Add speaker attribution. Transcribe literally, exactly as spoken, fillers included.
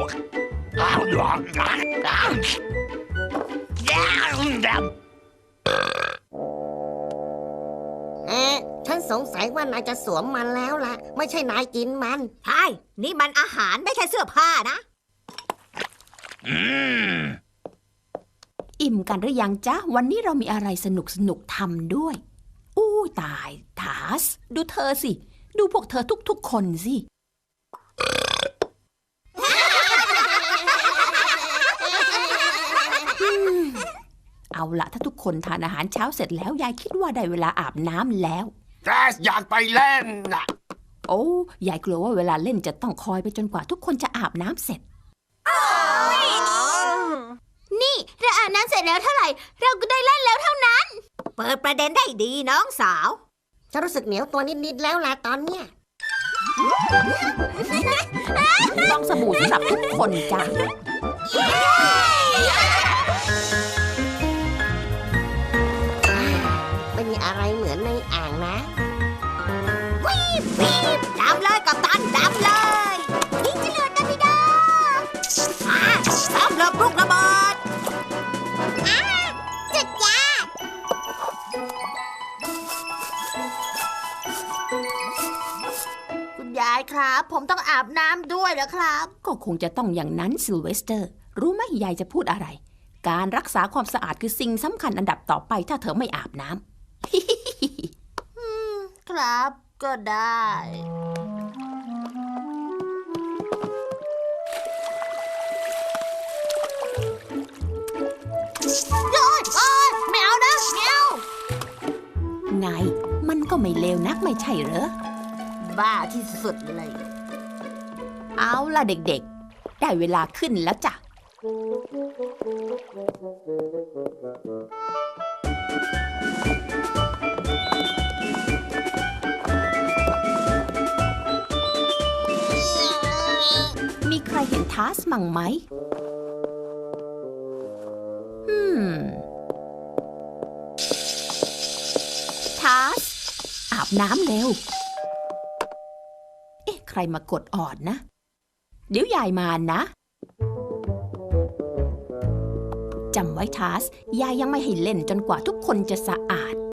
Speaker 1: เอ๊ะฉันสงสัยว่านายจะสวมมันแล้วล่ะ ไม่ใช่นายกินมัน
Speaker 2: ใช่นี่มันอาหารไม่ใช่เสื้อผ้านะ
Speaker 3: อิ่มกันหรือยังจ๊ะวันนี้เรามีอะไรสนุกสนุกทำด้วยอู้ตายทาสดูเธอสิดูพวกเธอทุกๆคนสิเอาละถ้าทุกคนทานอาหารเช้าเสร็จแล้วยายคิดว่าได้เวลาอาบน้ำแล้ว
Speaker 4: แกสอยากไปเล่นน่ะ
Speaker 3: โอ้ยายกลัวว่าเวลาเล่นจะต้องคอยไปจนกว่าทุกคนจะอาบน้ำเสร็จ
Speaker 2: นี่เราอาบน้ำเสร็จแล้วเท่าไหร่เราก็ได้เล่นแล้วเท่านั้น เปิดประเด็นได้ดีน้องสาว
Speaker 1: ฉันรู้สึกเหนียวตัวนิดๆแล้วล่ะตอนเนี้ย
Speaker 3: ฟองสบู่สำหรับทุกคนจ้ะ
Speaker 1: ไม่มีอะไรเหมือนในอ่างนะ
Speaker 2: วีบวีบดำเลยกับตันดำเลยยิงจรวดกันพี่ดาอ่าทำระเบิดระเบิดอ่าจุดยาคุณยายครับ ผมต้องอาบน้ำด้วยเหรอครับ
Speaker 3: ก็คงจะต้องอย่างนั้นซิลเวสเตอร์รู้ไหมยายจะพูดอะไรการรักษาความสะอาดคือสิ่งสำคัญอันดับต่อไปถ้าเธอไม่อาบน้ำ
Speaker 2: ครับก็ได้โอ๊ยโอ๊ยไม่เอานะไม่เอา
Speaker 3: ไงมันก็ไม่เลวนักไม่ใช่เหรอ
Speaker 2: บ้าที่สุดเลย
Speaker 3: เอาล่ะเด็กๆได้เวลาขึ้นแล้วจ้ะมีใครเห็นทาสมั่งไหมอืมทาสอาบน้ำเร็ว เอ๊ะใครมากดออดนะ เดี๋ยวยายมานะจำไว้ทาสยายยังไม่ให้เล่นจนกว่าทุกคนจะสะอาด